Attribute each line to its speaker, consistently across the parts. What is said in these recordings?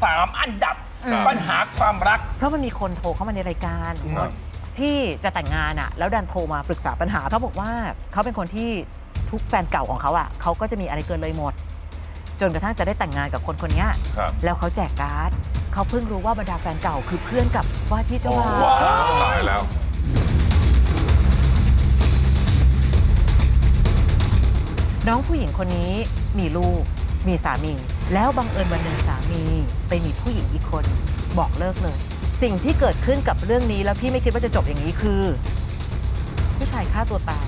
Speaker 1: 3 อันดับปัญหาความรัก
Speaker 2: เพราะมันมีคนโทรเข้ามาในรายการที่จะแต่งงานแล้วดันโทรมาปรึกษาปัญหาเขาบอกว่าเขาเป็นคนที่ทุกแฟนเก่าของเขาเขาก็จะมีอะไรเกินเลยหมดจนกระทั่งจะได้แต่งงานกับคนคนนี้แล้วเขาแจกการ์ดเขาเพิ่งรู้ว่าบรรดาแฟนเก่าคือเพื่อนกับว่าที่เจ้าบ่าว
Speaker 3: ตายแล้ว
Speaker 2: น้องผู้หญิงคนนี้มีลูกมีสามีแล้วบังเอิญวันหนึ่งสามีไปมีผู้หญิงอีกคนบอกเลิกเลยสิ่งที่เกิดขึ้นกับเรื่องนี้แล้วพี่ไม่คิดว่าจะจบอย่างนี้คือผู้ชายฆ่าตัวตาย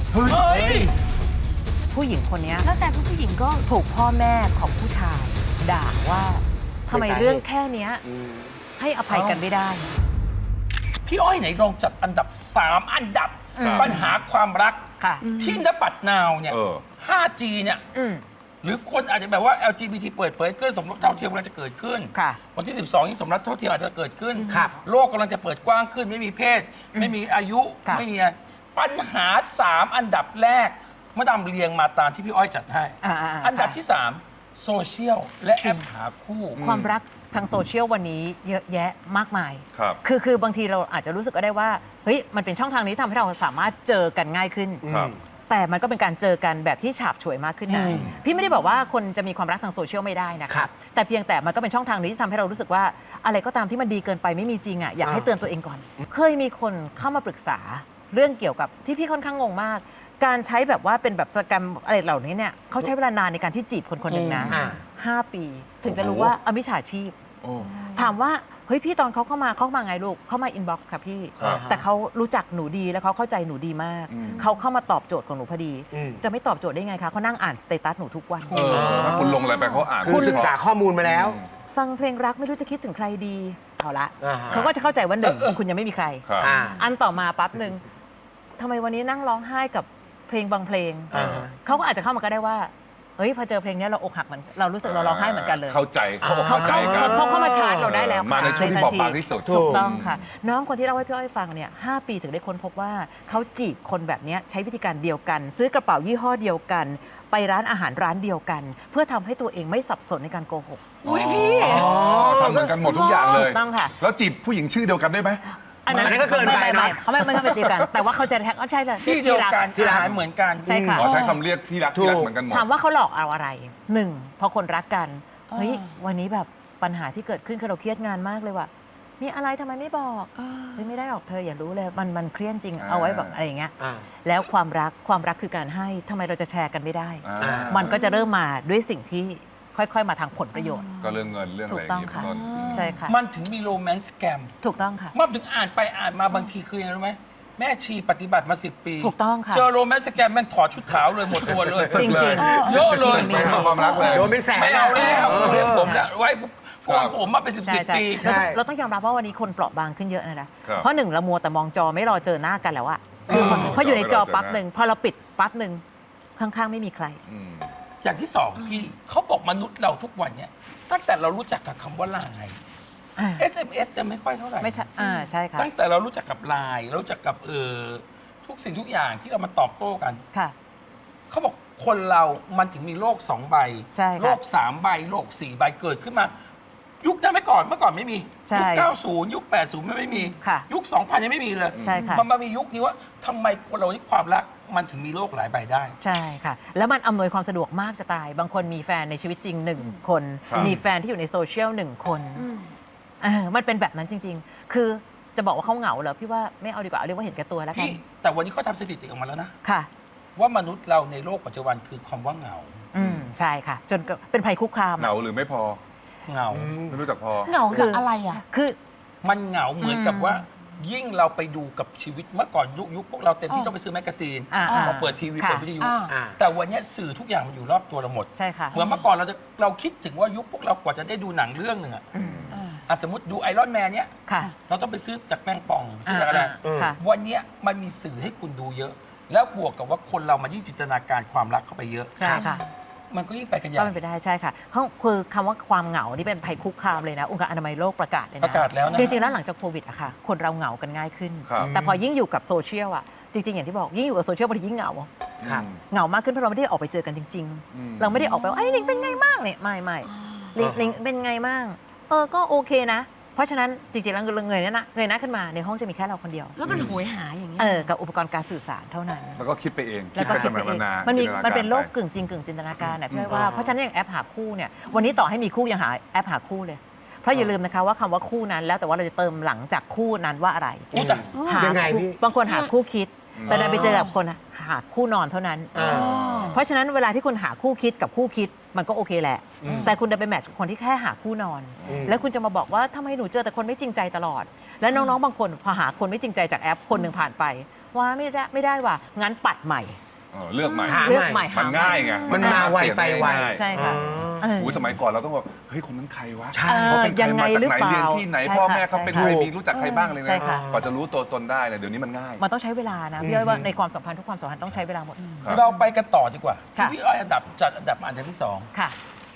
Speaker 2: ผู้หญิงคนนี้แล้วแต่ผู้หญิงก็ถูกพ่อแม่ของผู้ชายด่าว่าทำไมเรื่องแค่นี้ให้อภัยกันไม่ได้
Speaker 1: พี่อ้อยไหนลองจัดอันดับ 3 อันดับปัญหาความรักที่ณปัดนาวเนี่ย 5G เนี่ยหรือคนอาจจะแบบว่า LGBT เปิดเผยเกินสมรสเท่าเทียมกำลังจะเกิดขึ้นวันที่ 12 นี้สมรสเท่าเทียมอาจจะเกิดขึ้นโลกกำลังจะเปิดกว้างขึ้นไม่มีเพศไม่มีอายุไม่มีปัญหา 3 อันดับแรกมาดามเรียงมาตามที่พี่อ้อยจัดให้อันดับที่ 3 โซเชียลและแอปหาคู่
Speaker 2: ความรักทางโซเชียลวันนี้เยอะแยะมากมายคือบางทีเราอาจจะรู้สึกก็ได้ว่าเฮ้ยมันเป็นช่องทางนี้ทำให้เราสามารถเจอกันง่ายขึ้นแต่มันก็เป็นการเจอกันแบบที่ฉาบฉวยมากขึ้นนะพี่ไม่ได้บอกว่าคนจะมีความรักทางโซเชียลไม่ได้นะคะแต่เพียงแต่มันก็เป็นช่องทางนี้ที่ทำให้เรารู้สึกว่าอะไรก็ตามที่มันดีเกินไปไม่มีจริงอยากให้เตือนตัวเองก่อนเคยมีคนเข้ามาปรึกษาเรื่องเกี่ยวกับที่พี่ค่อนข้างงงมากการใช้แบบว่าเป็นแบบสแกมอะไรเหล่านี้เนี่ยเขาใช้เวลานานในการที่จีบคนคนหนึ่งนะ5 ปีถึงจะรู้ว่ามิจฉาชีพถามว่าเฮ้ยพี่ตอนเขาเข้ามาไงลูกเข้ามาอินบ็อกซ์ค่ะพี่แต่เขารู้จักหนูดีแล้วเขาเข้าใจหนูดีมากเขาเข้ามาตอบโจทย์ของหนูพอดีจะไม่ตอบโจทย์ได้ไงคะเขานั่งอ่านสเตตัสหนูทุกวัน
Speaker 3: ถ้าคุณลงอะไรไปเขาอ่าน
Speaker 4: คุณศึกษาข้อมูลมาแล้ว
Speaker 2: ฟังเพลงรักไม่รู้จะคิดถึงใครดีเอาละเขาก็จะเข้าใจว่าหนึ่งคุณยังไม่มีใครอันต่อมาปั๊บหนึ่งทำไมวันนี้นั่งร้องไห้กับเพลงบางเพลงเขาก็อาจจะเข้ามาก็ได้ว่าเฮ้ยพอเจอเพลงนี้เราอกหักมันเรารู้สึกเราร้องไห้เหมือนกันเลย
Speaker 3: เข้าใจ
Speaker 2: เขามาชาร์จเราได้แล้ว
Speaker 3: มาในช่วงที่บอบบางที่สุด
Speaker 2: ถูกต้องค่ะน้องคนที่เล่าให้พี่อ้อยฟังเนี่ย5 ปีถึงได้ค้นพบว่าเขาจีบคนแบบนี้ใช้วิธีการเดียวกันซื้อกระเป๋ายี่ห้อเดียวกันไปร้านอาหารร้านเดียวกันเพื่อทำให้ตัวเองไม่สับสนในการโกหก
Speaker 3: อุ้ยพี่ทำเหมือนกันหมดทุกอย่างเลย
Speaker 2: ต้องค่ะ
Speaker 3: แล้วจีบผู้หญิงชื่อเดียวกันได้ไหม
Speaker 2: อันนั้นก็เกินไปนะเขาไม่เป็นเดียวกันแต่ว่าเขาจะแท็กใช่เลย
Speaker 1: ที่เดียวกันที่ร้านเหมือนกัน
Speaker 2: ใช่ค่ะ
Speaker 3: ใช้คำเรียกที่รักเหมือนกันหมด
Speaker 2: ถามว่าเขาหลอกเอาอะไร1พอคนรักกันเฮ้ยวันนี้แบบปัญหาที่เกิดขึ้นคือเราเครียดงานมากเลยว่ะมีอะไรทำไมไม่บอกเฮ้ยไม่ได้หรอกเธออย่ารู้เลยมันเครียดจริงเอาไว้แบบอะไรอย่างเงี้ยแล้วความรักคือการให้ทำไมเราจะแชร์กันไม่ได้มันก็จะเริ่มมาด้วยสิ่งที่ค่อยๆมาทางผลประโยชน์
Speaker 3: ก็เรื่องเงินเรื่องอะไรอย่าง
Speaker 2: นี้ใช่ค่ะ
Speaker 1: มันถึงมีโรแมนต์สแกม
Speaker 2: ถูกต้องค่ะ
Speaker 1: มันถึงอ่านไปอ่านมาบางทีคือยังไงรู้ไหมแม่ชีปฏิบัติมา10 ปี
Speaker 2: ถูกต้องค่ะ
Speaker 1: เจอโรแมนต์สแกมแม่งถอดชุดขาวเลยหมดตัวเลย
Speaker 2: จริง
Speaker 1: ๆเยอะเลย
Speaker 3: ความรักเลย
Speaker 4: โดนเป็นแสน
Speaker 1: ไม่เอาแล้วเรียกผมไว้ก่อนผมมาเป็น10 ปี
Speaker 2: เราต้องยอมรับว่าวันนี้คนเปราะบางขึ้นเยอะนะเพราะหนึ่งเรามัวแต่มองจอไม่รอเจอหน้ากันแล้วอะพออยู่ในจอปั๊บหนึ่งพอเราปิดปั๊บหนึ่งข้างๆไม่มีใคร
Speaker 1: อย่างที่2พี่เขาบอกมนุษย์เราทุกวันเนี่ยตั้งแต่เรารู้จักกับคำว่าไลน์ SMS จะไม่ค่อยเท่าไหร่
Speaker 2: ไม่ใช่ใช่ค่ะ
Speaker 1: ตั้งแต่เรารู้จักกับไลน์รู้จักกับทุกสิ่งทุกอย่างที่เรามาตอบโต้กัน
Speaker 2: ค่ะ
Speaker 1: เขาบอกคนเรามันถึงมีโลก2 ใบโลก3 ใบโลก4 ใบเกิดขึ้นมายุคนั้นเมื่อก่อนไม่มียุค90ยุค80ไม่มียุค2000ยังไม่มีเลยมันมามียุคนี้ว่าทำไมคนเราที่ความรักมันถึงมีโลกหลายใบได้
Speaker 2: ใช่ค่ะแล้วมันอำนวยความสะดวกมากจะตายบางคนมีแฟนในชีวิตจริง1 คนมีแฟนที่อยู่ในโซเชียล1 คนมันเป็นแบบนั้นจริงๆคือจะบอกว่าเขาเหงาเหรอพี่ว่าไม่เอาดีกว่าเรียกว่าเห็นแก่ตัวแล้วกัน
Speaker 1: แต่วันนี้เขาทำสถิติออกมาแล้วนะ
Speaker 2: ค่ะ
Speaker 1: ว่ามนุษย์เราในโลกปัจจุบันคือคำว่าเหงา
Speaker 2: ใช่ค่ะจนเป็นภัยคุกคาม
Speaker 3: เหงาหรือไม่พอ
Speaker 1: เหงา
Speaker 3: ไม่รู้จักพอ
Speaker 5: เหงาคืออะไรอ่ะ
Speaker 2: คือ
Speaker 1: มันเหงาเหมือนกับว่ายิ่งเราไปดูกับชีวิตเมื่อก่อนยุคพวกเราเต็มที่ต้องไปซื้อแมกกาซีนมาเปิดทีวีเปิดวิทยุแต่วันนี้สื่อทุกอย่างมันอยู่รอบตัวเราหมด
Speaker 2: ใช่ค่ะ
Speaker 1: เหมือนเมื่อก่อนเราคิดถึงว่ายุคพวกเรากว่าจะได้ดูหนังเรื่องหนึ่งสมมติดูไอรอนแมนเนี้ยเราต้องไปซื้อจากแมงป่องซื้อจากอะไรวันนี้มันมีสื่อให้คุณดูเยอะแล้วบวกกับว่าคนเรามันยิ่งจินตนาการความรักเข้าไปเยอะ
Speaker 2: ใช่ค่ะ
Speaker 1: มันก็ยิ่งไปกันใหญ่
Speaker 2: ก็เป็นไปได้ใช่ค่ะคือคำว่าความเหงานี่เป็นภัยคุกคามเลยนะองค์การอนามัยโลกประกาศเลยนะ
Speaker 1: ประกาศแล้วนะ
Speaker 2: จริงๆแล้วหลังจากโควิดอะค่ะคนเราเหงากันง่ายขึ้นแต่พอยิ่งอยู่กับโซเชียลอะจริงๆอย่างที่บอกยิ่งอยู่กับโซเชียลบางทียิ่งเหงาเหงามากขึ้นเพราะเราไม่ได้ออกไปเจอกันจริงๆเราไม่ได้ออกไปว่าไอ้ลิงเป็นไงบ้างเนี่ยไม่ลิงเป็นไงบ้างก็โอเคนะ เพราะฉะนั้นจริงๆแล้วเงยหน้าขึ้นมาในห้องจะมีแค่เราคนเดียว
Speaker 4: แล้วมันโหยหาอย่างนี้ย
Speaker 2: กับอุปกรณ์การสื่อสารเท่านั้น
Speaker 3: แล้วก็คิดไปเอง
Speaker 2: แล้วก็
Speaker 3: ไป
Speaker 2: คิดไป
Speaker 3: ทำ
Speaker 2: เอง
Speaker 3: นา
Speaker 2: มันเป็นโลก
Speaker 3: จิ
Speaker 2: กึ่งจริงกึ่งจินตนาการนะพี่อ้อยว่าเพราะฉะนั้นอย่างแอปหาคู่เนี่ยวันนี้ต่อให้มีคู่ยังหาแอปหาคู่เลย เพราะอย่าลืมนะคะว่าคำว่าคู่นั้นแล้วแต่ว่าเราจะเติมหลังจากคู่นั้นว่าอะไร
Speaker 1: อู้แต่
Speaker 2: หา
Speaker 5: ยังไง
Speaker 2: คู่
Speaker 5: พี่
Speaker 2: บางคนหาคู่คิด แต่ดันไปเจอกับคนหาคู่นอนเท่านั้น เพราะฉะนั้นเวลาที่คุณหาคู่คิดกับคู่คิดมันก็โอเคแหละ แต่คุณจะไปแมทช์กับคนที่แค่หาคู่นอน แล้วคุณจะมาบอกว่าทำไมหนูเจอแต่คนไม่จริงใจตลอด และน้องๆบางคนพอหาคนไม่จริงใจจากแอปคนหนึ่งผ่านไปว่าไม่ได้ว่ะงั้นปัดใหม่
Speaker 3: เลือกใหม่
Speaker 5: หา
Speaker 2: เลือกใหม่
Speaker 3: มันง่ายไง
Speaker 5: มันมาไวไปไว
Speaker 2: ใช่ค่ะ
Speaker 3: โอ้ยสมัยก่อนเราต้องบอกเฮ้ยคนนั้นใครวะ
Speaker 5: ใช่
Speaker 3: เขาเป็นใคร
Speaker 2: ยังไง
Speaker 3: มาจาก
Speaker 2: หรือ
Speaker 3: ไหน
Speaker 2: เปล่า
Speaker 3: เรียนที่ไหน
Speaker 2: ใช่
Speaker 3: พ่อ
Speaker 2: ค่ะ
Speaker 3: แม่เขาเป็น
Speaker 2: ใช่
Speaker 3: ใคร
Speaker 2: ค่ะ
Speaker 3: มีรู้จักใครบ้างเลย
Speaker 2: ใช่
Speaker 3: นะ
Speaker 2: ค่ะ
Speaker 3: กว่าจะรู้ตัวตนได้เนี่ยเดี๋ยวนี้มันง่าย
Speaker 2: มันต้องใช้เวลานะพี่อ้อยว่าในความสัมพันธ์ทุกความสัมพันธ์ต้องใช้เวลาหมด
Speaker 3: ครับ
Speaker 1: เราไปกันต่อดีกว่า
Speaker 2: ค่ะ
Speaker 1: ที่พี่อ้อยจัดอันดับมาอันดับที่
Speaker 2: ค่ะ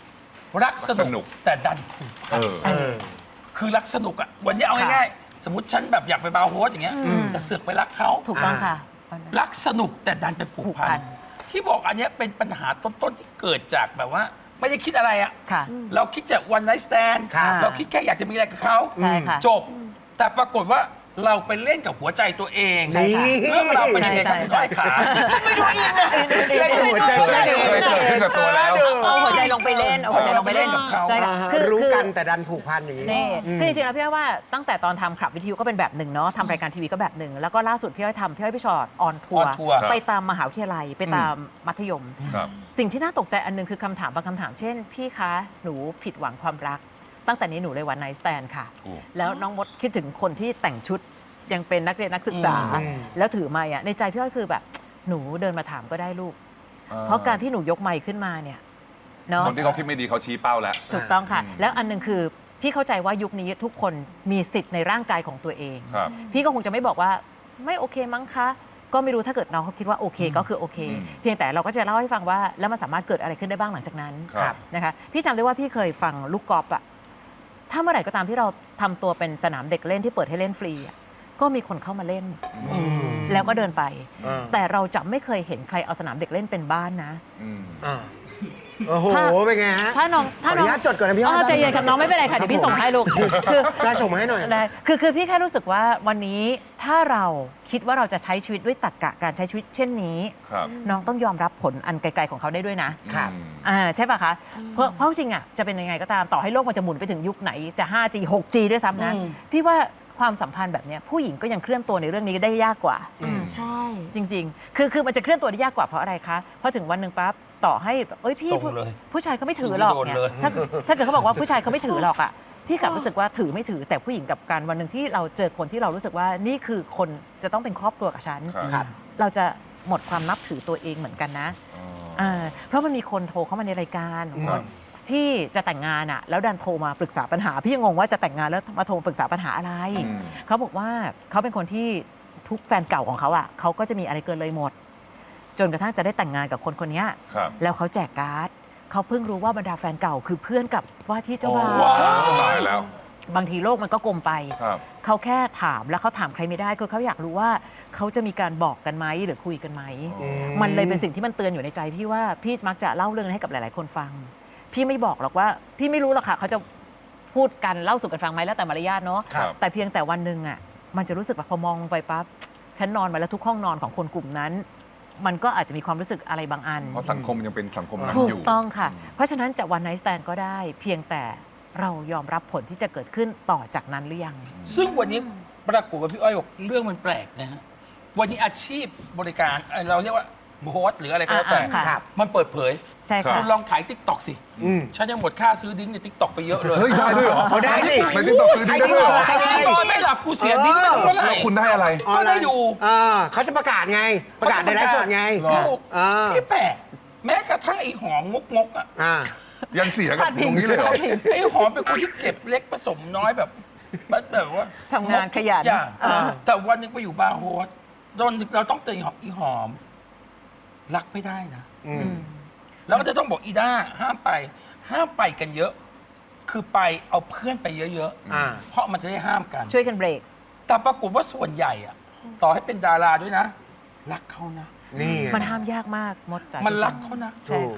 Speaker 1: 2 รักสนุกแต่ดันผูกพัน คือรักสนุกอะวันนี้เอาง่ายๆ สมมติฉันแบบอยากไปบาร์โฮสอย่างเงี้ยแต่เสือกไปรักเขา
Speaker 2: ถูกต้องค่ะ
Speaker 1: รักสนุกแต่ดันไปผูก
Speaker 2: ผูก
Speaker 1: พั
Speaker 2: พั
Speaker 1: น
Speaker 2: น
Speaker 1: ที่บอกอันเนี้ยเป็นปัญหาต้นๆที่เกิดจากแบบว่า ไม่ได้คิดอะไรอะ
Speaker 2: ค่ะ
Speaker 1: เราคิดจากวันไนท์สแตน
Speaker 5: ครับ
Speaker 1: เราคิดแค่อยากจะมีอะไรกับเขา
Speaker 2: ใช่ค่ะ
Speaker 1: จบ แต่ปรากฏว่าเราไปเล่นกับหัวใจตัวเอง
Speaker 2: ใช่ค่ะ
Speaker 1: เรื่องราวเป็นยังไงครับ
Speaker 2: ใช่
Speaker 1: พี่อ้อยขา
Speaker 2: ไม่รู้อินนะ
Speaker 5: เล่นหัวใจ
Speaker 3: เคยเกิดขึ้นกับตัวแล้ว
Speaker 2: เอาหัวใจลงไปเล่นเอาหัวใจลงไปเล่น
Speaker 1: กับเขา
Speaker 2: ใช่ค่ะ
Speaker 5: รู้กันแต่ดันผูกพันอย่างนี้
Speaker 2: นี่คือจริงๆแล้วพี่อ้อยว่าตั้งแต่ตอนทำขับวิทยุก็เป็นแบบหนึ่งเนาะทำรายการทีวีก็แบบหนึ่งแล้วก็ล่าสุดพี่อ้อยพี่ชอตออนทัวร์
Speaker 1: on tour
Speaker 2: ไปตามมหาวิทยาลัยไปตามมัธยม
Speaker 3: ครับ
Speaker 2: สิ่งที่น่าตกใจอันหนึงคือคำถามบางคำถามเช่น พี่คะหนูผิดหวังความรัก ตั้งแต่นี้หนูเลยวันไนท์สแตนค่ะ
Speaker 3: โอ้
Speaker 2: แล้วน้องมดคิดถึงคนที่แต่งชุดยังเป็นนักเรียนนักศึกษา แล้วถือไมค์อ่ะในใจพี่อ้อยคือแบบหนูเดินมาถามก็ได้ลูก เพราะการที่หนูยกไมค์ขึ้นมาเนี่ยเนาะ
Speaker 3: คนที่เขาคิดไม่ดีเขาชี้เป้าแล้ว
Speaker 2: ถูกต้องค่ะ แล้วอันหนึงคือพี่เข้าใจว่ายุคนี้ทุกคนมีสิทธิ์ในร่างกายของตัวเอง
Speaker 3: ครับ
Speaker 2: พี่ก็คงจะไม่บอกว่าไม่โอเคมั้งคะ ก็ไม่รู้ถ้าเกิดน้องเขาคิดว่าโอเคก็คือโอเค เพียงแต่เราก็จะเล่าให้ฟังว่าแล้วมันสามารถเกิดอะไรขึ้นได้บ้างหลังจากนั้น
Speaker 3: ครับ
Speaker 2: นะคะพี่จำได้ว่าพี่เคยฟังลูกกอล์ฟอะถ้าเมื่อไหร่ก็ตามที่เราทำตัวเป็นสนามเด็กเล่นที่เปิดให้เล่นฟรีอะก็มีคนเข้ามาเล่น แล้วก็เดินไป แต่เราจะไม่เคยเห็นใครเอาสนามเด็กเล่นเป็นบ้านนะ
Speaker 5: โอ้โห เป็นไงฮะ
Speaker 2: ถ้าน้อง
Speaker 5: ขออนุญาตจดก่อนนะพี่อ้อย
Speaker 2: ใจเย็นครับน้องไม่เป็นไรค่ะเดี๋ยวพี่ส่งให้ลูกคือ
Speaker 5: ได้ส่งมาให้หน่อย
Speaker 2: ได้คือพี่แค่รู้สึกว่าวันนี้ถ้าเราคิดว่าเราจะใช้ชีวิตด้วยตรรกะการใช้ชีวิตเช่นนี้
Speaker 3: ครับ
Speaker 2: น้องต้องยอมรับผลอันไกลๆของเขาได้ด้วยนะ
Speaker 5: ครับ
Speaker 2: ใช่ป่ะคะเพราะจริงอ่ะจะเป็นยังไงก็ตามต่อให้โลกมันจะหมุนไปถึงยุคไหนจะ 5G 6G ด้วยซ้ำนะ พี่ว่าความสัมพันธ์แบบเนี้ยผู้หญิงก็ยังเคลื่อนตัวในเรื่องนี้ได้ยากกว่า
Speaker 4: ใช่
Speaker 2: จริงๆ คือมันจะเคลื่อนตัวได้ยากกว่าเพราะอะไรคะ เพราะถึงวันหนึ่งปั๊บต่อให้เอ้ยพี่
Speaker 1: ตรงเลย
Speaker 2: ผู้ชายเขาไม่ถือหรอกเนี่ย
Speaker 1: โดนเลย
Speaker 2: ถ้าเกิดเขาบอกว่าผู้ชายเขาไม่ถือหรอกอ่ะพี่กลับรู้สึกว่าถือไม่ถือแต่ผู้หญิงกับการวันหนึ่งที่เราเจอคนที่เรารู้สึกว่านี่คือคนจะต้องเป็นครอบครัวกับฉัน
Speaker 3: ครับ
Speaker 2: เราจะหมดความนับถือตัวเองเหมือนกันนะเพราะมันมีคนโทรเข้ามาในรายการที่จะแต่งงานอ่ะแล้วดันโทรมาปรึกษาปัญหาพี่ยังงงว่าจะแต่งงานแล้วมาโทรปรึกษาปัญหาอะไร เขาบอกว่าเขาเป็นคนที่ทุกแฟนเก่าของเขาอ่ะเขาก็จะมีอะไรเกินเลยหมด จนกระทั่งจะได้แต่งงานกับคนคนนี้
Speaker 3: ครับ
Speaker 2: แล้วเขาแจกการ์ดเขาเพิ่งรู้ว่าบรรดาแฟนเก่าคือเพื่อนกับว่าที่เจ้าบ่าว
Speaker 1: ว้าว
Speaker 3: ตายแล้ว
Speaker 2: บางทีโลกมันก็กลมไป
Speaker 3: ครับ
Speaker 2: เขาแค่ถามแล้วเขาถามใครไม่ได้คือเขาอยากรู้ว่าเขาจะมีการบอกกันไหมหรือคุยกันไหม มันเลยเป็นสิ่งที่มันเตือนอยู่ในใจพี่ว่าพี่มักจะเล่าเรื่องนี้ให้กับหลาย ๆ คนฟัง พี่ไม่บอกหรอกว่าพี่ไม่รู้หรอกค่ะเขาจะพูดกันเล่าสู่กันฟังไหมแล้วแต่มารยาทเนาะ
Speaker 3: ครับ
Speaker 2: แต่เพียงแต่วันหนึ่งอ่ะมันจะรู้สึกแบบพอมองลงไปปั๊บฉันนอนมาแล้วทุกห้องนอนของคนกลุ่มนั้น มันก็อาจจะมีความรู้สึกอะไรบางอัน
Speaker 3: เพราะสังคมยังเป็นสังคมนั้น
Speaker 2: ถู
Speaker 3: อก ยู่
Speaker 2: ต้องค่ะ เพราะฉะนั้นจะวันไนท์สแตนก็ได้ เพียงแต่เรายอมรับผลที่จะเกิดขึ้นต่อจากนั้นหรือยัง
Speaker 1: ซึ่งวันนี้ปรากฏว่าพี่อ้อยบอกเรื่องมันแปลกนะฮะ วันนี้อาชีพบริการเราเรียกว่าโฮสต์หรืออะไรก็แล้วแต่
Speaker 2: ค่ะ
Speaker 5: ครับ
Speaker 1: มันเปิดเผย
Speaker 2: ใช่
Speaker 3: ครั
Speaker 2: ค่ะ
Speaker 3: บ
Speaker 1: คุณลองถ่ายติ๊กต็อกสิ ฉันยังหมดค่าซื้อดิ้งในติ๊กต็อกไปเยอะเลย
Speaker 3: เฮ้ย ได้ด้วยเหรอ
Speaker 5: เอาได้สิ
Speaker 3: ในติ๊กต็อกซื้อได้ด้วยเหรอ
Speaker 1: นอนไม่หลับกูเสียดิ้งไปเท่าไหร่
Speaker 3: แล้วคุณได้อะไร
Speaker 1: ก็ได้ดู
Speaker 5: เขาจะประกาศไง ประกาศในไลฟ์สดไง
Speaker 1: ถูก
Speaker 5: อ่า
Speaker 1: ที่แปลกแม้กระทั่งไอ้หอมงกๆอ่ะ
Speaker 3: ยังเสียกับตรงนี้เลยเหรอ
Speaker 1: ไอ้หอมเป็นคนที่เก็บเล็กผสมน้อยแบบว่า
Speaker 2: ทำงานขยัน
Speaker 1: ทุกอย่างแต่วันหนึงไปอยู่บาร์โฮสโดนเราต้องเตือนอีหอม รักไม่ได้นะแล้วก็จะต้องบอกอีด้าห้ามไปกันเยอะ คือไปเอาเพื่อนไปเยอะ
Speaker 5: อ่า
Speaker 1: ๆเพราะมันจะได้ห้ามกัน
Speaker 2: ช่วยกันเบรก
Speaker 1: แต่ปรากฏว่าส่วนใหญ่อะต่อให้เป็นดาราด้วยนะ รักเขานะ
Speaker 5: นี่ไง
Speaker 2: มันห้ามยากมากมดจ๋า
Speaker 1: มัน
Speaker 2: จงๆ
Speaker 1: รักเขานะ
Speaker 2: ใช่ค่ะ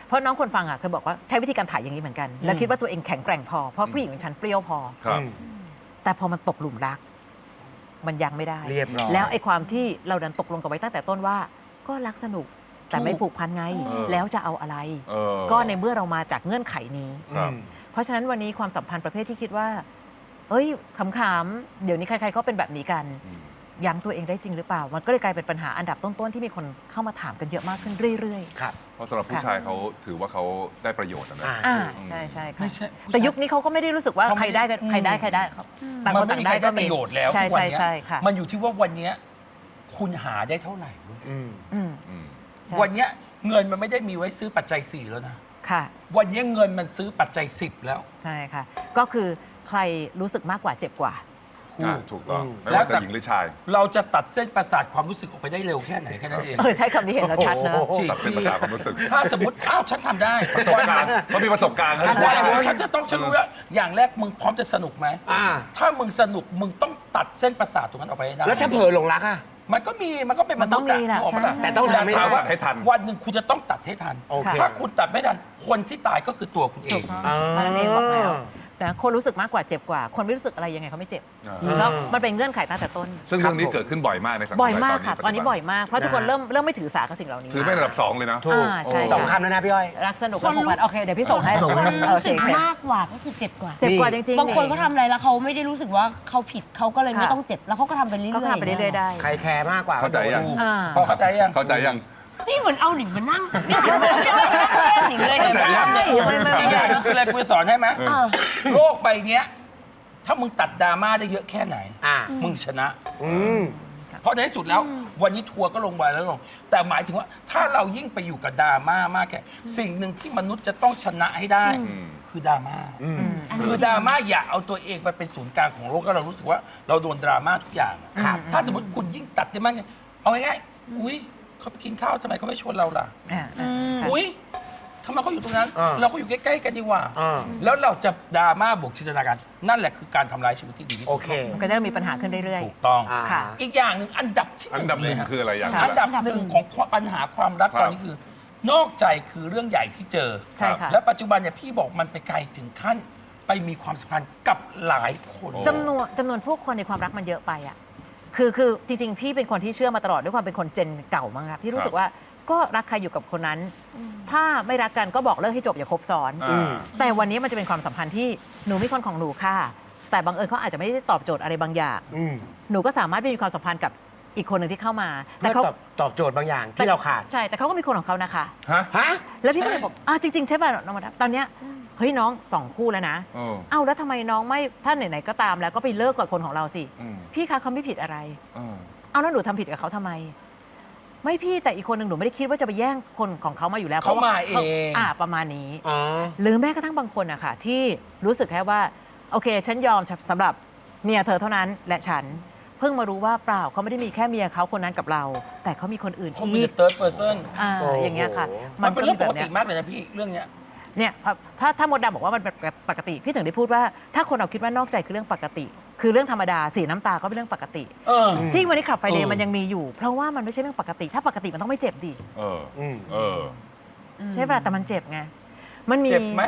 Speaker 2: เพราะน้องคนฟังอ่ะเคยบอกว่าใช้วิธีการถ่ายอย่างนี้เหมือนกัน แล้วคิดว่าตัวเองแข็งแกร่งพอเพราะผู้หญิงของฉันเปรี้ยวพอ
Speaker 3: ครับ
Speaker 2: แต่พอมันตกหลุมรัก มันยังไม่ได้
Speaker 5: เรียบร้อย
Speaker 2: แล้วไอ้ความที่เราดันตกลงกันไว้ตั้งแต่ต้นว่า ก็รักสนุกแต่ไม่ผูกพันไง แล้วจะเอาอะไร ก็ในเมื่อเรามาจากเงื่อนไขนี้
Speaker 3: ครับ
Speaker 2: เพราะฉะนั้นวันนี้ความสัมพันธ์ประเภทที่คิดว่า เอ้ยขำๆเดี๋ยวนี้ใครๆก็เป็นแบบนี้กัน ยั้งตัวเองได้จริงหรือเปล่า มันก็เลยกลายเป็นปัญหาอันดับต้นๆที่มีคนเข้ามาถามกันเยอะมากขึ้นเรื่อย
Speaker 5: ครับ
Speaker 3: เพราะสำหรับผู้ชายเขาถือว่าเขาได้ประโยชน์นะ
Speaker 2: ๆใช่ใช่ค่ะ
Speaker 1: ไม่ใช่
Speaker 2: แต่ยุคนี้เขาก็ไม่ได้รู้สึกว่า
Speaker 1: เขาไม่
Speaker 2: ใครได้กันใครได้ครับต่าง
Speaker 1: มั
Speaker 2: คน น
Speaker 1: ไม่
Speaker 2: ต่าง
Speaker 1: มี
Speaker 2: ได้
Speaker 1: ใคร
Speaker 2: ก็
Speaker 1: ได้ป
Speaker 2: มี
Speaker 1: ระโยชน์แล้ว
Speaker 2: ใช่
Speaker 1: ทุกวัน
Speaker 2: ใช่
Speaker 1: เนี้ย
Speaker 2: ใช่ค่ะ
Speaker 1: มันอยู่ที่ว่าวันเนี้ยคุณหาได้เท่าไหร่เว้ย
Speaker 5: อืม
Speaker 2: อืม
Speaker 3: อืม
Speaker 2: ใช่
Speaker 1: วันเนี้ยเงินมันไม่ได้มีไว้ซื้อปัจจัย 4 แล้วนะ
Speaker 2: ค่ะ
Speaker 1: วันเนี้ยเงินมันซื้อปัจจัย 10 แล้ว
Speaker 2: ใช่ค่ะ ก็คือใครรู้สึกมากกว่าเจ็บกว่า
Speaker 3: ถูกต้อง
Speaker 5: อืม
Speaker 3: ไม่ว่าจะหญิงหรือชาย
Speaker 1: เราจะตัดเส้นประสาทความรู้สึกออกไปได้เร็วแค่ไหนแค่นั้นเอง
Speaker 2: ใช้คำนี้เห็นแล้วชัดนะ
Speaker 5: โอ้โห
Speaker 1: จริง
Speaker 3: ตัดเป็นภาษาความรู้สึก
Speaker 1: ถ้าสมมติอ้าวฉันทำได้
Speaker 3: ประสบการณ์เขามีประสบการณ์เขา
Speaker 5: ทำได้
Speaker 1: วันนี้ฉันจะต้องฉันรู้ว่าอย่างแรกมึงพร้อมจะสนุกไหม
Speaker 5: อ่า
Speaker 1: ถ้ามึงสนุกมึงต้องตัดเส้นประสาทตรงนั้นออกไปให้ได้
Speaker 5: แล้วถ้าเผลอหลงรักอ่ะ
Speaker 1: มันก็เป็นม
Speaker 2: มันต้
Speaker 1: นุ
Speaker 2: อ
Speaker 1: ษ
Speaker 2: ง
Speaker 1: ย์
Speaker 2: มีแหละ
Speaker 1: นึกออกป
Speaker 2: ใช่
Speaker 1: ล่
Speaker 2: ใช่
Speaker 5: แต่ต้อง
Speaker 1: ย่า
Speaker 5: ทำให้
Speaker 1: ถาม
Speaker 5: ได้
Speaker 1: ว่า
Speaker 3: ให้ทัน
Speaker 1: วันหนึ่งคุณจะต้องตัดให้ทัน
Speaker 5: โอเค
Speaker 1: ถ้าคุณตัดไม่ทัน คนที่ตายก็คือตัวคุณเอง
Speaker 5: อ่า
Speaker 2: มันเองบอกแล้วแต่คนรู้สึกมากกว่าเจ็บกว่า คนไม่รู้สึกอะไรยังไงเขาไม่เจ็บแล้วมันเป็นเงื่อนไขตั้งแต่ต้น
Speaker 3: ซึ่งเรื่องนี้เกิดขึ้นบ่อยมากในสังคม
Speaker 2: บ่อยมาก
Speaker 3: ไท
Speaker 2: ค่ะ ตอนนี้บ่อยมาก เพราะทุกคนเริ่มไม่ถือสากับสิ่งเหล่านี้
Speaker 3: ถือเป็นอันดับ 2 เลยนะ
Speaker 5: ถูก
Speaker 2: ใช่
Speaker 5: สอง
Speaker 2: ค่ะ
Speaker 5: คำแล้วนะพี่อ้อย
Speaker 2: รักสนุกและผูกพันโอเคเดี๋ยวพี่ส่งให้
Speaker 5: ส่งให้
Speaker 2: โอ
Speaker 4: รู้
Speaker 2: เค
Speaker 4: สึก
Speaker 2: โอเค
Speaker 4: มากกว่าก็คือเจ็บกว่า
Speaker 2: เจ็บกว่าจริงๆ
Speaker 4: บางคนเขาทำอะไรแล้วเขาไม่ได้รู้สึกว่าเขาผิดเขาก็เลยไม่ต้องเจ็บแล้วเขาก็ทำไปเรื่อยๆ
Speaker 2: ก็ทำไปเรื่อยๆได้
Speaker 5: ใครแคร์มากกว่า
Speaker 3: เข้าใจยัง
Speaker 2: อ่า
Speaker 1: พอเข้าใจยัง
Speaker 3: เข้าใจยัง
Speaker 4: นี่เหมือนเอาหนิงมานั่งนี่เหมือนเอาหนิงเลย
Speaker 3: เข้าใจยัง
Speaker 1: อีกอย่างหนึงคืออะไรกูจะสอนให้ไหม
Speaker 3: เออ
Speaker 1: โลกใบเนี้ยถ้ามึงตัดดราม่าได้เยอะแค่ไหน
Speaker 5: อ่า
Speaker 1: มึงชนะ
Speaker 5: อืม
Speaker 1: เพราะในที่สุดแล้ววันนี้ทัวร์ก็ลงไปแล้วลง แต่หมายถึงว่าถ้าเรายิ่งไปอยู่กับดราม่ามากแค่สิ่งหนึ่งที่มนุษย์จะต้องชนะให้ได้ คือดราม่าคือดราม่าอย่าเอาตัวเองไปเป็นศูนย์กลางของโลกแล้วเรารู้สึกว่าเราโดนดราม่าทุกอย่างอะ
Speaker 5: ครับ
Speaker 1: ถ้าสมมติคุณยิ่งตัดได้มากเนี่ยเอาง่ายๆอุ้ยเขาไปกินข้าวทำไมเขาไม่ชวนเราล่ะ
Speaker 2: อ่าค่ะ
Speaker 1: อุ้ยทำไมเขาอยู่ตรงนั้น
Speaker 5: อ่า
Speaker 1: เราก็อยู่ใกล้ๆกันดีกว่า
Speaker 5: อ่า
Speaker 1: แล้วเราจะดราม่าบวกจินตนาการนั่นแหละคือการทำลายชีวิตที่ดีที่
Speaker 5: โอ
Speaker 1: สุด
Speaker 5: เค
Speaker 2: มันก็จะมีปัญหาขึ้นเรื่อย
Speaker 1: ถูกต้อง
Speaker 5: อ่า
Speaker 2: ค่ะ
Speaker 1: อีกอย่างหนึ่งอันดับที่
Speaker 3: อันดับหนึ่ง
Speaker 1: เลยฮะ
Speaker 3: คืออะไรอย่าง
Speaker 1: อันดับหนึ่งของปัญหาความรัก
Speaker 3: ครับ
Speaker 1: ตอนนี้คือ นอกใจคือเรื่องใหญ่ที่เจอ
Speaker 2: ๆ ใช่ค่ะ
Speaker 1: และปัจจุบันเนี่ยพี่บอกมันไปไกลถึงขั้นไปมีความสัมพันธ์กับหลายคน
Speaker 2: จำนวนผู้คนในความรักมันเยอะไปอ่ะคือจริงๆ พี่เป็นคนที่เชื่อมาตลอดด้วยความเป็นคนเจนเก่ามั้งครับพี่รู้สึกว่าก็รักใครอยู่กับคนนั้น ถ้าไม่รักกันก็บอกเลิกให้จบอย่าคบซ้อน
Speaker 3: อ่า
Speaker 2: แต่วันนี้มันจะเป็นความสัมพันธ์ที่หนูมีคนของหนูค่ะ แต่บังเอิญเขาอาจจะไม่ได้ตอบโจทย์อะไรบางอย่าง
Speaker 5: อืม
Speaker 2: หนูก็สามารถไปมีความสัมพันธ์กับอีกคนหนึ่งที่เข้ามา
Speaker 5: เพื่อตอบโจทย์บางอย่างที่เราขาด
Speaker 2: ใช่แต่เขาก็มีคนของเขานะคะ
Speaker 3: ฮะ
Speaker 5: ฮะ
Speaker 2: แล้วพี่ก็เลยบอกจริงๆใช่ป่ะน้องมาดามตอนเนี้ยเฮ้ยน้อง2 คู่แล้วนะ
Speaker 3: เออ
Speaker 2: เอ้าแล้วทำไมน้องไม่ถ้าไหนๆก็ตามแล้วก็ไปเลิกกับคนของเราสิ
Speaker 3: อืม
Speaker 2: พี่คะเขาไม่ผิดอะไร
Speaker 3: เออ
Speaker 2: เอาแล้วหนูทำผิดกับเขาทำไม ไม่พี่แต่อีกคนหนึ่งหนูไม่ได้คิดว่าจะไปแย่งคนของเขามาอยู่แล้ว
Speaker 1: เขามาเอง
Speaker 2: ประมาณนี้
Speaker 5: อ๋อ
Speaker 2: หรือแม้กระทั่งบางคนอะค่ะที่รู้สึกแค่ว่าโอเค ฉันยอมสำหรับเมียเธอเท่านั้นและฉันเพิ่งมารู้ว่าเปล่าเขาไม่ได้มีแค่เมียเขาคนนั้นกับเรา แต่เขามีคนอื่น
Speaker 1: เขา
Speaker 2: อี
Speaker 1: เป็น
Speaker 2: ก
Speaker 1: third person
Speaker 5: โอ้โห
Speaker 2: อย่างเงี้ยค่ะ
Speaker 1: มันเป็นเรื่องปกติ
Speaker 2: ย
Speaker 1: มากเลยนะพี่เรื่องเนี้ย
Speaker 2: เนี่ยถ้ามดดำบอกว่ามันเป็นปกติ พี่ถึงได้พูดว่าถ้าคนเราคิดว่านอกใจคือเรื่องปกติ คือเรื่องธรรมดาสีน้ำตาก็เป็นเรื่องปกติ
Speaker 1: เออ
Speaker 2: ที่วันนี้ขับไฟเด
Speaker 1: เอ
Speaker 2: ย์
Speaker 1: อ
Speaker 2: มันยังมีอยู่ เพราะว่ามันไม่ใช่เรื่องปกติ ถ้าปกติมันต้องไม่เจ็บดิ
Speaker 3: เออ
Speaker 5: อืม
Speaker 3: เออ
Speaker 2: ใช่ป่ะแต่มันเจ็บไงมันมี
Speaker 1: เจ็บไหม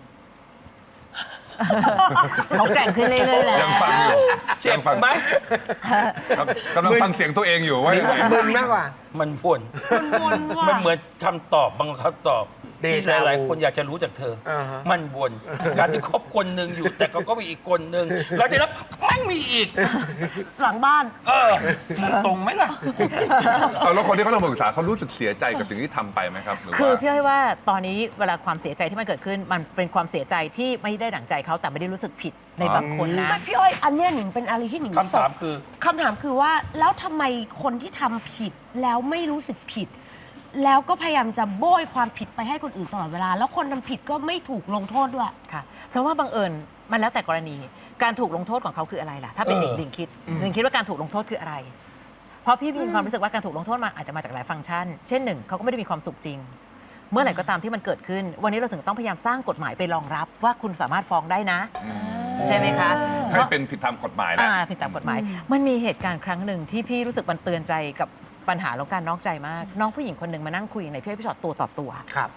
Speaker 2: เขาแกร่งขึ้นเรื่อยๆแล้ว
Speaker 3: ยังฟังอยู่
Speaker 1: เจ็บ
Speaker 3: ยังฟัง
Speaker 1: ไหม
Speaker 3: ครับกำลังฟังเสียงตัวเองอยู่ว่ายังไง
Speaker 5: มึนมากกว่า
Speaker 1: มันบ่น
Speaker 4: วนว่า
Speaker 1: มันเหมือนคำตอบบางคำตอบ
Speaker 5: เด
Speaker 1: ที่
Speaker 5: จาวู
Speaker 1: หลายๆคนอยากจะรู้จากเธอ
Speaker 5: อ่าฮะ
Speaker 1: มันวนการที่คบคนหนึ่งอยู่ แต่เขาก็มีอีกคนหนึ่งเราจะรับไม่มีอีก
Speaker 4: หลังบ้าน
Speaker 1: เออมึงตรงไหมล่ะ
Speaker 3: เอาแล้วคนที่เขาลงมาปรึกษาเขารู้สึกเสียใจกับสิ่งที่ทำไปไหมครับหรือ
Speaker 2: คือ
Speaker 3: ว่า
Speaker 2: พี่อ้อยว่าตอนนี้เวลาความเสียใจที่มันเกิดขึ้น มันเป็นความเสียใจที่ไม่ได้ดั่งใจเขาแต่ไม่ได้รู้สึกผิดในบางคนนะ
Speaker 4: ไม่พี่อ้อยอันเนี้ยหนิงเป็นอะไรที่หนิง
Speaker 1: คำถามคือ
Speaker 4: คำถามคือว่าแล้วทำไมคนที่ทำผิดแล้วไม่รู้สึกผิด แล้วก็พยายามจะโบยความผิดไปให้คนอื่นตลอดเวลา แล้วคนทำผิดก็ไม่ถูกลงโทษด้วย
Speaker 2: ค่ะ เพราะว่าบังเอิญมันแล้วแต่กรณี การถูกลงโทษของเขาคืออะไรล่ะ ถ้าเป็น
Speaker 1: เออ
Speaker 2: ดิ่งคิดดิ่งคิดว่าการถูกลงโทษคืออะไร เพราะพี่มีความรู้สึกว่าการถูกลงโทษมาอาจจะมาจากหลายฟังก์ชัน เช่นหนึ่งเขาก็ไม่ได้มีความสุขจริง เมื่อไหร่ก็ตามที่มันเกิดขึ้น วันนี้เราถึงต้องพยายามสร้างกฎหมายไปรองรับว่าคุณสามารถฟ้องได้นะ ใช่ไหมคะ
Speaker 3: ให้เป็นผิดตามกฎหมายนะ
Speaker 2: ผิดตามกฎหมาย มันมีเหตุการณ์ครั้งหนึ่งที่พี่รู้สึกมันเตือนใจกับปัญหาเรื่องการนอกใจมาก น้องผู้หญิงคนหนึ่งมานั่งคุยในพี่อ้อยพี่ชอตตัวต่อตัว
Speaker 5: ครับ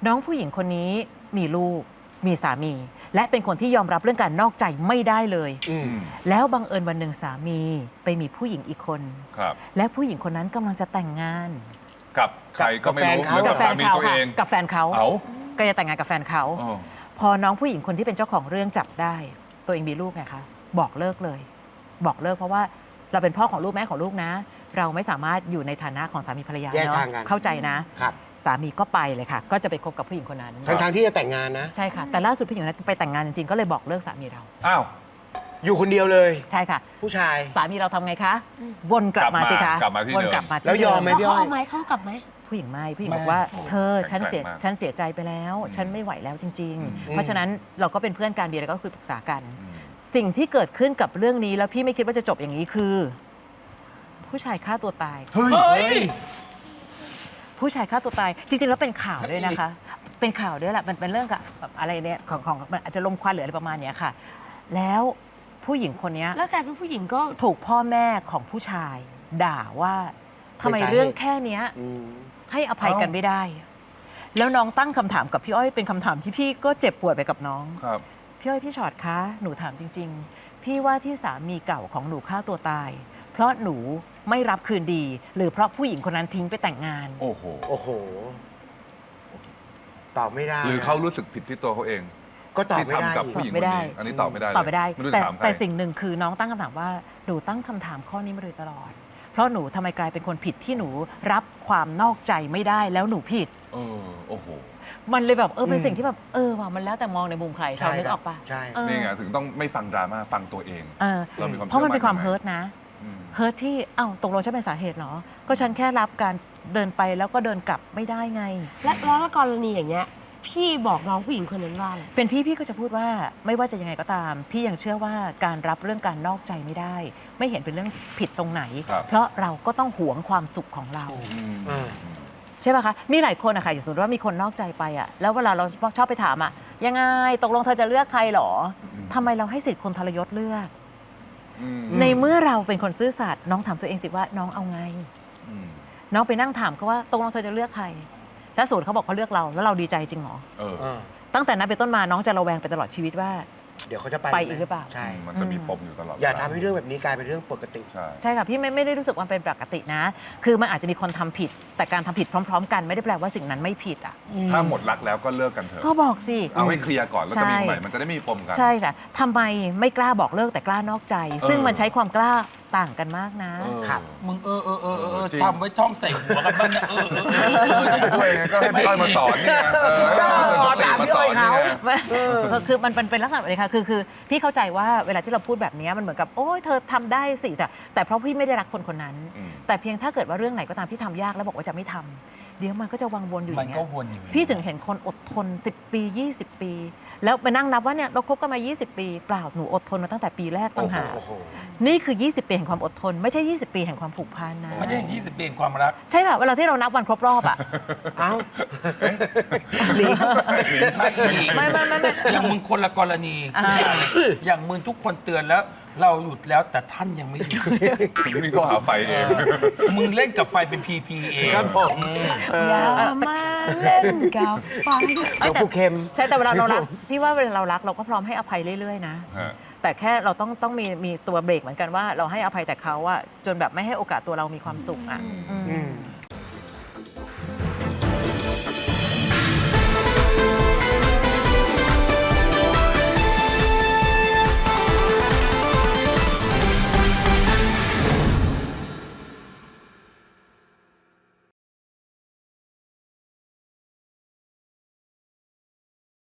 Speaker 2: น้องผู้หญิงคนนี้มีลูกมีสามี และเป็นคนที่ยอมรับเรื่องการนอกใจไม่ได้เลย แล้วบังเอิญวันหนึ่งสามีไปมีผู้หญิงอีกคน
Speaker 3: ครับ
Speaker 2: และผู้หญิงคนนั้นกำลังจะแต่งงาน
Speaker 3: กับใครก็ไม่รู้
Speaker 5: กับแฟนเขา
Speaker 3: หรือกับสามีตัวเอง
Speaker 2: กับแฟนเขา
Speaker 3: เอา
Speaker 2: ก็จะแต่งงานกับแฟนเขา
Speaker 3: อ๋อ
Speaker 2: พอน้องผู้หญิงคนที่เป็นเจ้าของเรื่องจับได้ ตัวเองมีลูกไงคะบอกเลิกเลย บอกเลิกเพราะว่าเราเป็นพ่อของลูกแม่ของลูกนะ เราไม่สามารถอยู่ในฐานะของสามีภรรยา
Speaker 5: แยก
Speaker 2: เนาะ
Speaker 5: ทางกัน
Speaker 2: เข้าใจนะ
Speaker 5: ครับ
Speaker 2: สามีก็ไปเลยค่ะ ก็จะไปคบกับผู้หญิงคนนั้น
Speaker 5: ทั้งที่จะแต่งงานนะ
Speaker 2: ใช่ค่ะ แต่ล่าสุดผู้หญิงคนนั้นไปแต่งงานจริงๆ ก็เลยบอกเลิกสามีเรา
Speaker 3: อ้าว
Speaker 5: อยู่คนเดียวเลย
Speaker 2: ใช่ค่ะ
Speaker 5: ผู้ชาย
Speaker 2: สามีเราทำไงคะ วนกลับมาสิคะ
Speaker 3: กลับมาที่
Speaker 2: วน
Speaker 3: เดิม
Speaker 2: กลับมาที่
Speaker 5: แล้วยอมไหม
Speaker 2: เดิ
Speaker 4: แล้วเขาเอาไหมเขากลับไหม
Speaker 2: ผู้หญิงไม่ผู้หญิง
Speaker 1: ไม่
Speaker 2: บอกว่า
Speaker 1: โอ้
Speaker 2: เธอฉันเสีย
Speaker 3: แข็งแกร่งมาก
Speaker 2: ฉันเสียใจไปแล้ว ฉันไม่ไหวแล้วจริง ๆ เพราะฉะนั้นเราก็เป็นเพื่อนกันดีแล้วก็คือปรึกษากัน สิ่งที่เกิดขึ้นกับเรื่องนี้แล้วพี่ไม่คิดว่าจะจบอย่างนี้คือ ผู้ชายฆ่าตัวตาย
Speaker 3: เฮ้ย
Speaker 1: เฮ้ย
Speaker 2: ผู้ชายฆ่าตัวตาย จริงๆแล้วเป็นข่าวด้วยนะคะ เป็นข่าวด้วยแหละมันเป็นเรื่องกับแบบอะไรเนี่ยของมันอาจจะลมควันหรืออะไรประมาณเนี้ยค่ะ แล้วผู้หญิงคนเนี้ย
Speaker 4: แล้วกลายเป็นผู้หญิงก็
Speaker 2: ถูกพ่อแม่ของผู้ชาย ด่าว่าทำไมเรื่องแค่เนี้ย
Speaker 5: อืม
Speaker 2: ให้อภัยกันไม่ได้ แล้วน้องตั้งคำถามกับพี่อ้อยเป็นคำถามที่พี่ก็เจ็บปวดไปกับน้อง
Speaker 3: ครับ
Speaker 2: พี่อ้อยพี่ชอตคะหนูถามจริง ๆ พี่ว่าที่สามีเก่าของหนูฆ่าตัวตาย เพราะหนูไม่รับคืนดี หรือเพราะผู้หญิงคนนั้นทิ้งไปแต่งงาน
Speaker 3: โอ้โห
Speaker 5: โอ้โห ตอบไม่ได้
Speaker 3: หรือเขารู้สึกผิดที่ตัวเขาเอง
Speaker 5: ก็ตอบ
Speaker 3: ที่
Speaker 5: ไม่ได้
Speaker 3: ทำกับ
Speaker 5: อีก
Speaker 3: ผู้หญิง
Speaker 2: ตอบไม่
Speaker 3: คน
Speaker 2: ได้
Speaker 3: นี้อันนี้ตอบไม่ได้เลย
Speaker 2: ตอบไม่ได้
Speaker 3: ไม่รู้
Speaker 2: แต่
Speaker 3: จะถามใคร
Speaker 2: แต่สิ่งหนึ่งคือน้องตั้งคำถามว่าหนูตั้งคำถามข้อนี้มาโดยตลอด เพราะหนูทำไมกลายเป็นคนผิดที่หนูรับความนอกใจไม่ได้แล้วหนูผิด
Speaker 3: โอ้โห
Speaker 2: มันเลยแบบเป็นสิ่งที่แบบว่ะมันแล้วแต่มองในมุมใครชาวนึกออกปะ
Speaker 5: ใช่
Speaker 2: เออ
Speaker 3: นี่ไงถึงต้องไม่ฟังดราม่าฟังตัวเอง
Speaker 2: เออ
Speaker 3: เรามีความ
Speaker 2: เพราะมันเป็นความ
Speaker 3: เชื่
Speaker 2: เฮิ
Speaker 3: อ
Speaker 2: ร์ตนะ
Speaker 3: อืม
Speaker 2: เฮิร์ตที่ตกลงฉันเป็นสาเหตุเหรอ ก็ฉันแค่รับการเดินไปแล้วก็เดินกลับไม่ได้ไง
Speaker 4: แล้วกรณีอย่างเงี้ยพี่บอกน้องผู้หญิงคนนั้นว่าอะไร
Speaker 2: เป็นพี่ก็จะพูดว่าไม่ว่าจะยังไงก็ตาม พี่ยังเชื่อว่าการรับเรื่องการนอกใจไม่ได้ ไม่เห็นเป็นเรื่องผิดตรงไหน
Speaker 3: ครับ
Speaker 2: เพราะเราก็ต้องหวงความสุขของเรา
Speaker 3: อืม
Speaker 5: อ่า
Speaker 2: ใช่ป่ะคะ มีหลายคนอะค่ะอย่างสมมติว่ามีคนนอกใจไปอะแล้วเวลาเราชอบไปถามอะยังไงตกลงเธอจะเลือกใครเหรอทำไมเราให้สิทธิ์คนทรยศเลือก
Speaker 3: อืม
Speaker 2: ในเมื่อเราเป็นคนซื่อสัตย์น้องถามตัวเองสิว่าน้องเอาไง
Speaker 3: อืม
Speaker 2: น้องไปนั่งถามเขาว่าตกลงเธอจะเลือกใครถ้าสูตรเขาบอกเขาเลือกเราแล้วเราดีใจจริงเหรอ
Speaker 3: เออ
Speaker 5: อ่า
Speaker 2: ตั้งแต่นั้นเป็นต้นมาน้องจะระแวงไปตลอดชีวิตว่า
Speaker 5: เดี๋ยวเขาจะไป
Speaker 2: ไปอีกหรือเปล่า
Speaker 5: ใช่
Speaker 3: มันจะมีปมอยู่ตลอด
Speaker 5: อย่าทำให้เรื่องแบบนี้กลายเป็นเรื่องปกติ
Speaker 3: ใช่
Speaker 2: ใช่ค่ะพี่ไม่ได้รู้สึกว่าเป็นปกตินะ คือมันอาจจะมีคนทำผิด แต่การทำผิดพร้อม ๆ กันไม่ได้แปลว่าสิ่งนั้นไม่ผิดอ่ะ
Speaker 3: ถ้าหมดรักแล้วก็เลิกกันเถอะ
Speaker 2: ก็บอกสิ
Speaker 3: เอาให้เคลียร์ก่อนแล้วจะมี
Speaker 2: ใช่
Speaker 3: ใหม่มันจะได้ไม่มีปมกัน
Speaker 2: ใช่ค่ะทำไมไม่กล้าบอกเลิกแต่กล้านอกใจ ซึ่งมันใช้ความกล้าต่างกันมากนะ
Speaker 3: เออ
Speaker 5: ครับ
Speaker 1: มึง
Speaker 3: จริง
Speaker 1: ทำไว้ท่องใส่หัวกันบ้างนะ
Speaker 3: ด้วยไงก็ให้พี่อ้อยมาสอนนี่ไงสติมาสอนนี่ไง
Speaker 2: คือมันเป็นลักษณะแบบนี้ค่ะคือพี่เข้าใจว่าเวลาที่เราพูดแบบนี้มันเหมือนกับโอ้ยเธอทำได้สิแต่เพราะพี่ไม่ได้รักคนคนนั้น
Speaker 3: อืม
Speaker 2: แต่เพียงถ้าเกิดว่าเรื่องไหนก็ตามที่ทำยากแล้วบอกว่าจะไม่ทำเดี๋ยวมันก็จะวังวนอยู่อ
Speaker 1: มัน
Speaker 2: ย่างเงี้
Speaker 1: ก็
Speaker 2: ย
Speaker 1: วนอยู่อย่างนี้
Speaker 2: พี่ถึงเห็นคนอดทน 10 ปี 20 ปี แล้วไปนั่งนับว่าเนี่ยเราคบกันมา 20 ปีเปล่าหนูอดทนมาตั้งแต่ปีแรกต่างหาก
Speaker 5: โอ้โห
Speaker 2: นี่คือ 20 ปีแห่งความอดทน ไม่ใช่ 20 ปีแห่งความผูกพันนะ
Speaker 1: ไม่ได้20 ปีแห่งความรัก
Speaker 2: ใช่ป่ะเวลาที่เรานับวันครบรอบอ่ะ
Speaker 5: เอ้า
Speaker 2: ไม่
Speaker 1: อย่างมึงคนละกรณี อย่างมึงทุกคนเตือนแล้ว เราหยุดแล้วแต่ท่านยังไม่หยุด
Speaker 3: นี่ก็หาไฟเอง
Speaker 1: มึงเล่นกับไฟเป็นพีพีเอง
Speaker 5: ครับผม
Speaker 4: อย่ามาเล่นกับไฟ
Speaker 5: เดี๋ยวผู้เค็ม
Speaker 2: ใช่แต่เวลาเรารักพี่ว่าเวลาเรารักเราก็พร้อมให้อภัยเรื่อยๆนะ
Speaker 3: ฮะ
Speaker 2: แต่แค่เราต้องมีตัวเบรกเหมือนกันว่าเราให้อภัยแต่เขาอะจนแบบไม่ให้โอกาสตัวเรามีความสุขอะ
Speaker 3: อืม
Speaker 2: อืม